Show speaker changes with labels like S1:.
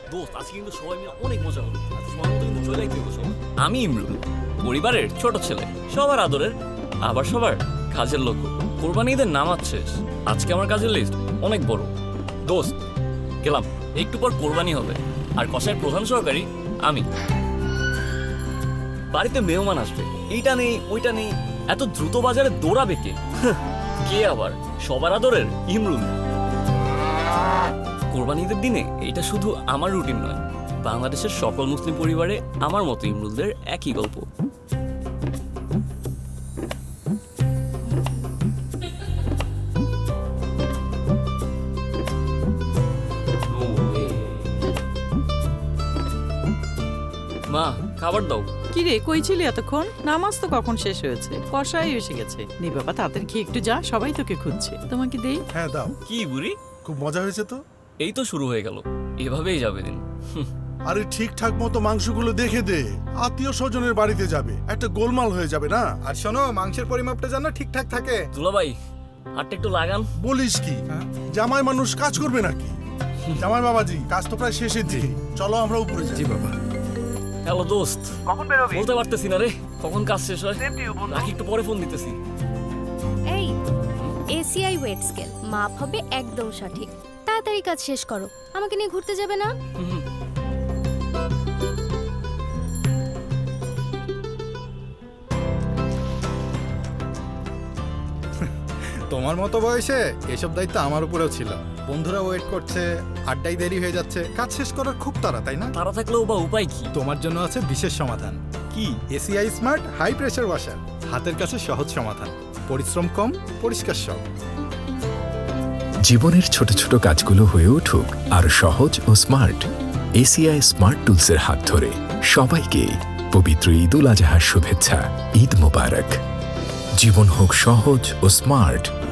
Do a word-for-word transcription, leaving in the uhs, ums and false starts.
S1: দোস্ত আজকে কিন্তু সবাই মিলে অনেক মজা হলো। সময় মতো কিন্তু চলে যাইতে সবাই।
S2: আমি ইমরুল, পরিবারের ছোট ছেলে, সবার আদরের, আবার সবার কাজের লোক। কোরবানি ঈদের নামাজ শেষ, আজকে আমার কাজের লিস্ট অনেক বড়। দোস্ত গেলাম, একটু পর কোরবানি হবে, আর কষায়ের প্রধান সহকারী আমি। বাড়িতে মেহমান আসবে, এইটা নেই ওইটা নেই, এত দ্রুত বাজারে দৌড়াবে কে? কে আবার? সবার আদরের ইমরুল। কোরবানি ঈদের দিনে এটা শুধু আমার রুটিন নয়, বাংলাদেশের সকল মুসলিম পরিবারে আমার মতো ইমরুলদের একই গল্প। মা, খাবার দাও।
S3: কি রে, কই ছিলি এতক্ষণ? নামাজ তো কখন শেষ হয়েছে, কষাই এসে গেছে। নে বাবা, তাড়াতাড়ি খেয়ে একটু যা, সবাই তোকে খুঁজছে। তোমাকে দেই?
S4: হ্যাঁ দাও।
S2: কি বুড়ি,
S4: খুব মজা হয়েছে তো।
S2: এই তো শুরু হয়ে গেল, এভাবেই যাবে দিন।
S4: আরে ঠিকঠাক মতো মাংসগুলো দেখে দে, আত্মীয় স্বজনের বাড়িতে যাবে, একটা গোলমাল হয়ে যাবে না।
S5: আর শোনো, মাংসের পরিমাপটা যেন ঠিকঠাক থাকে।
S2: দুলাভাই, হাতটা একটু লাগান।
S4: বলিস কি, জামাই মানুষ কাজ করবে নাকি? জামাই বাবাজি, কাজ তো প্রায় শেষের দিকে, চলো আমরা উপরে যাই।
S5: জি বাবা।
S2: হ্যালো দোস্ত,
S6: কখন বেরোবি?
S2: বলতে পারতেছি না রে, কখন কাজ শেষ হয়। রাখি, একটু পরে ফোন দিতেছি।
S7: এই এসিআই ওয়েট স্কেল মাপ হবে একদম সঠিক। তাড়াতাড়ি কাজ শেষ করো, আমাকে নিয়ে ঘুরতে যাবে না?
S2: হুম,
S5: তোমার মতো বয়সে এসব দায়িত্ব আমার উপরেও ছিল। বন্ধুরা ওয়েট করছে, আড্ডাই দেরি হয়ে যাচ্ছে, কাজ শেষ করার খুব তাড়া, তাই না?
S2: তারা থাকলেও বা উপায় কি?
S5: তোমার জন্য আছে বিশেষ সমাধান।
S2: কি?
S5: ACI smart high pressure washer, হাতের কাছে সহজ সমাধান, পরিশ্রম কম, পরিষ্কার সব।
S8: জীবনের ছোট ছোট কাজগুলো হয়ে উঠুক আরো সহজ ও স্মার্ট। এসিআই স্মার্ট টুলসের হাত ধরে সবাইকে পবিত্র ঈদ উল আজহার শুভেচ্ছা। ঈদ মোবারক। জীবন হোক সহজ ও স্মার্ট।